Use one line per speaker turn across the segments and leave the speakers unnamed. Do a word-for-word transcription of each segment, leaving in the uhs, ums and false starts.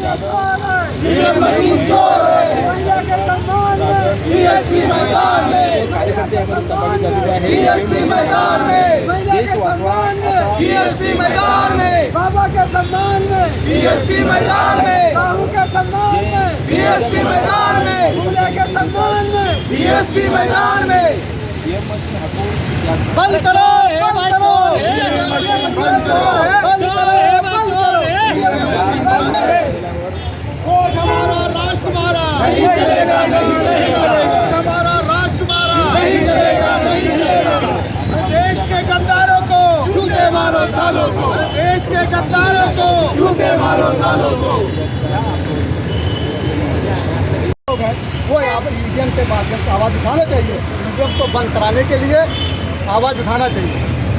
EVM machine चोर है। BSP मैदान में, बीएसपी मैदान में, बीएसपी मैदान में,
बाबा के सम्मान में,
बीएसपी मैदान में,
बाबू के सम्मान में,
बीएसपी मैदान में,
फूले के सम्मान में,
बीएसपी मैदान में बंद करो, बंद करो, बंद चोर है, बंद करो। वोट हमारा, राष्ट्र हमारा, नहीं चलेगा, नहीं चलेगा, हमारा राष्ट्र हमारा, नहीं चलेगा, नहीं चलेगा। देश के गद्दारों को जूते मारो सालों को, देश के गद्दारों को जूते मारो सालों को। वो यहाँ पर ईवीएम के माध्यम से आवाज़ उठाना चाहिए, ईवीएम को बंद कराने के लिए आवाज़ उठाना चाहिए।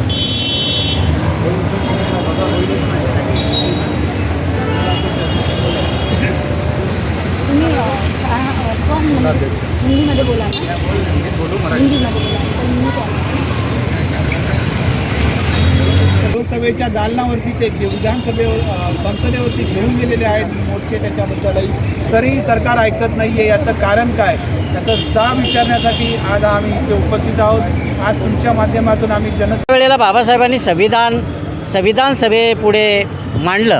हिंदीमध्ये बोला ना, हिंदीमध्ये बोला, हिंदी काय
लोकसभेच्या दालनावरती ते विधानसभेवर संसदेवरती घेऊन गेलेले आहेत मोर्चे त्याच्याबद्दलही, तरीही सरकार ऐकत नाही आहे. याचं कारण काय, याचा जाब विचारण्यासाठी आज आम्ही इथे उपस्थित आहोत. आज तुमच्या माध्यमातून आम्ही जन
वेळेला बाबासाहेबांनी संविधान संविधान सभेपुढे मांडलं,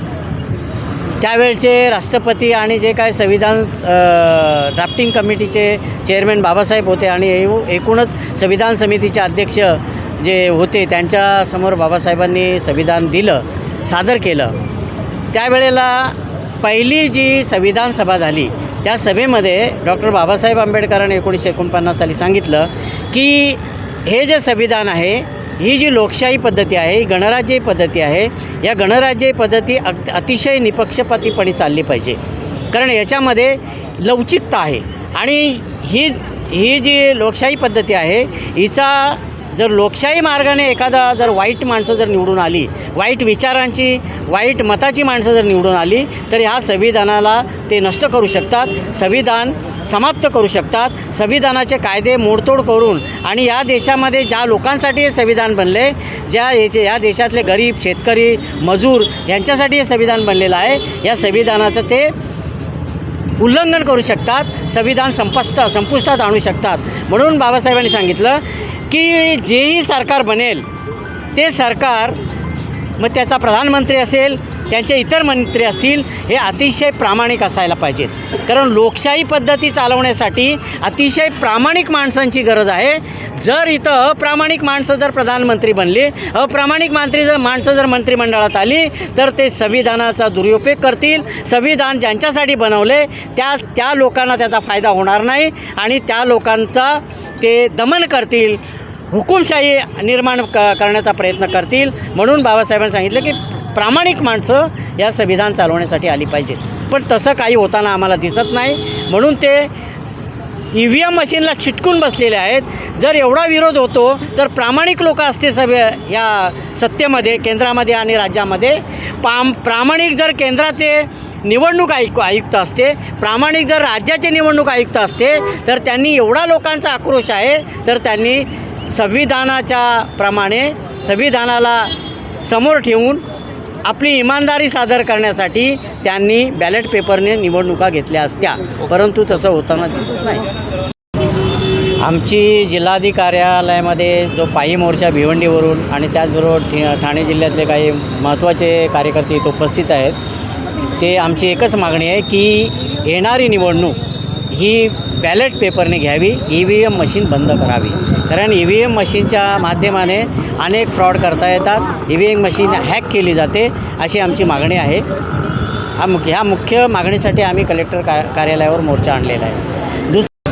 त्यावेळचे राष्ट्रपती आणि जे काय संविधान ड्राफ्टिंग कमिटीचे चेअरमॅन बाबासाहेब होते आणि एकूणच संविधान समितीचे अध्यक्ष जे होते त्यांच्यासमोर बाबासाहेबांनी संविधान दिलं, सादर केलं. त्यावेळेला पहिली जी संविधान सभा झाली त्या सभेमध्ये डॉक्टर बाबासाहेब आंबेडकरांनी एकोणीसशे एकोणपन्नास साली सांगितलं की हे जे संविधान आहे, ही जी लोकशाही पद्धती आहे, ही गणराज्य पद्धती आहे, या गणराज्य पद्धती अग अतिशय निपक्षपातीपणे चालली पाहिजे. कारण याच्यामध्ये लवचिकता आहे आणि ही ही जी लोकशाही पद्धती आहे हिचा जर लोकशाही मार्गाने एखादा जर वाईट माणसं जर निवडून आली, वाईट विचारांची, वाईट मताची माणसं जर निवडून आली तर ह्या संविधानाला ते नष्ट करू शकतात, संविधान समाप्त करू शकतात, संविधानाचे कायदे मोडतोड करून. आणि या देशामध्ये ज्या लोकांसाठी हे संविधान बनले, ज्या याचे या देशातले गरीब, शेतकरी, मजूर यांच्यासाठी हे संविधान बनलेलं आहे, या संविधानाचं ते उल्लंघन करू शकतात, संविधान संपष्ट संपुष्टात आणू शकतात. म्हणून बाबासाहेबांनी सांगितलं की जेही सरकार बनेल ते सरकार, मग त्याचा प्रधानमंत्री असेल, त्यांचे इतर मंत्री असतील, हे अतिशय प्रामाणिक असायला पाहिजेत. कारण लोकशाही पद्धती चालवण्यासाठी अतिशय प्रामाणिक माणसांची गरज आहे. जर इथं अप्रामाणिक माणसं जर प्रधानमंत्री बनली, अप्रामाणिक मंत्री जर माणसं जर मंत्रिमंडळात आली तर ते संविधानाचा दुरुपयोग करतील. संविधान ज्यांच्यासाठी बनवले त्या त्या लोकांना त्याचा फायदा होणार नाही आणि त्या लोकांचा ते दमन करतील, हुकुमशाही निर्माण क करण्याचा प्रयत्न करतील. म्हणून बाबासाहेबांनी सांगितलं की प्रामाणिक माणसं या संविधान चालवण्यासाठी आली पाहिजेत. पण तसं काही होताना आम्हाला दिसत नाही. म्हणून ते ई व्ही एम मशीनला चिटकून बसलेले आहेत. जर एवढा विरोध होतो तर प्रामाणिक लोक असते सभे या सत्तेमध्ये, केंद्रामध्ये आणि राज्यामध्ये. पाम प्रामाणिक जर केंद्राचे निवडणूक आयुक्त आयुक्त असते, प्रामाणिक जर राज्याचे निवडणूक आयुक्त असते तर त्यांनी एवढा लोकांचा आक्रोश आहे तर त्यांनी संविधानाच्या प्रमाणे संविधानाला समोर ठेवून आपली इमानदारी सादर करण्यासाठी त्यांनी बॅलेट पेपरने निवडणुका घेतल्या असत्या. परंतु तसं होताना दिसत नाही. आमची जिल्हाधिकारी कार्यालयामध्ये जो पायी मोर्चा भिवंडीवरून आणि त्याचबरोबर ठाणे जिल्ह्यातले काही महत्त्वाचे कार्यकर्ते इथे उपस्थित आहेत, ते आमची एकच मागणी आहे की येणारी निवडणूक ही बॅलेट पेपरने घ्यावी, ई व्ही एम मशीन बंद करावी. कारण ई व्ही एम मशीनच्या माध्यमाने अनेक फ्रॉड करता येतात, E V M machine hack केली जाते, अशी आमची मागणी आहे. हा मुख्य ह्या मुख्य मागणीसाठी आम्ही कलेक्टर का कार्यालयावर मोर्चा आणलेला आहे.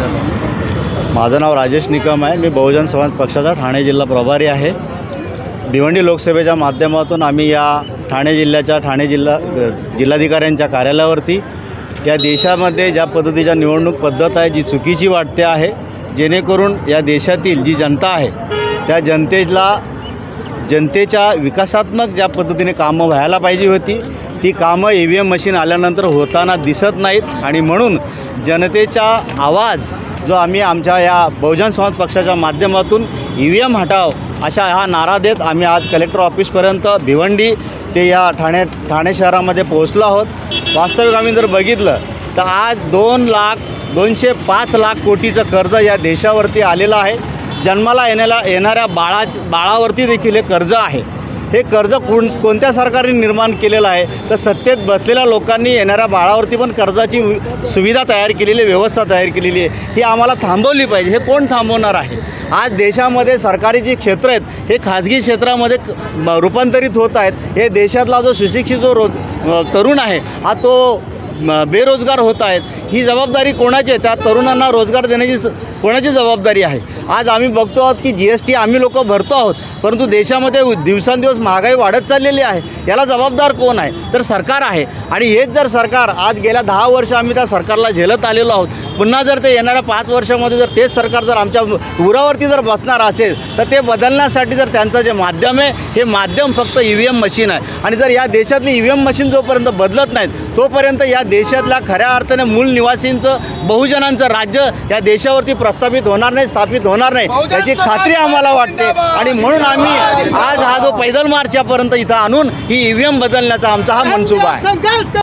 दुसरं,
माझं नाव राजेश निकम आहे. मी बहुजन समाज पक्षाचा ठाणे जिल्हा प्रभारी आहे. भिवंडी लोकसभेच्या माध्यमातून आम्ही या ठाणे जिल्ह्याच्या ठाणे जिल्हा जिल्हाधिकाऱ्यांच्या कार्यालयावरती या देशामध्ये ज्या पद्धतीच्या निवडणूक पद्धत आहे जी चुकीची वाटते आहे, जेणेकरून या देशातील जी जनता आहे त्या जनतेला जनतेच्या विकासात्मक ज्या पद्धतीने कामं व्हायला पाहिजे होती ती कामं ई व्ही एम मशीन आल्यानंतर होताना दिसत नाहीत. आणि म्हणून जनतेचा आवाज जो आम्ही आमच्या या बहुजन समाज पक्षाच्या माध्यमातून ई व्ही एम हटाव अशा हा नारा देत आम्ही आज कलेक्टर ऑफिसपर्यंत भिवंडी ते या ठाणे ठाणे शहरामध्ये पोहोचलो आहोत. वास्तविक आम्ही जर बघितलं तर आज दोन लाख दोनशे पाच लाख कोटीचं कर्ज या देशावरती आलेलं आहे. जन्माला येण्याला येणाऱ्या बाळाच बाळावरती देखील हे कर्ज आहे. हे कर्ज कोण कोणत्या सरकारने निर्माण केलेलं आहे तर सत्तेत बसलेल्या लोकांनी येणाऱ्या बाळावरती पण कर्जाची सुविधा तयार केलेली, व्यवस्था तयार केलेली आहे. ही आम्हाला थांबवली पाहिजे. हे कोण थांबवणार आहे? आज देशामध्ये सरकारी जी क्षेत्र आहेत हे खाजगी क्षेत्रामध्ये क- रूपांतरित होत आहेत. हे देशातला जो सुशिक्षित जो रोज तरुण आहे हा तो म- बेरोजगार होत आहेत. ही जबाबदारी कोणाची आहे? त्या तरुणांना रोजगार देण्याची स कोणाची जबाबदारी आहे? आज आम्ही बघतो आहोत की जी एस टी आम्ही लोक भरतो आहोत, परंतु देशामध्ये दिवसांदिवस महागाई वाढत चाललेली आहे. याला जबाबदार कोण आहे? तर सरकार आहे. आणि हेच जर सरकार आज गेल्या दहा वर्ष आम्ही त्या सरकारला झेलत आलेलो आहोत, पुन्हा जर ते येणाऱ्या पाच वर्षामध्ये जर तेच सरकार जर आमच्या उरावरती जर बसणार असेल तर ते बदलण्यासाठी जर त्यांचं जे माध्यम आहे हे माध्यम फक्त ई व्ही एम मशीन आहे. आणि जर या देशातली ई व्ही एम मशीन जोपर्यंत बदलत नाहीत तोपर्यंत या देशातल्या खऱ्या अर्थाने मूल निवासींचं, बहुजनांचं राज्य या देशावरती प्रस्थापित होणार नाही, स्थापित होणार नाही याची खात्री आम्हाला वाटते. आणि म्हणून आम्ही आज हा जो पैदल मार्च यापर्यंत इथं आणून ही ई व्ही एम बदलण्याचा आमचा हा मनसुबा आहे.
संघर्ष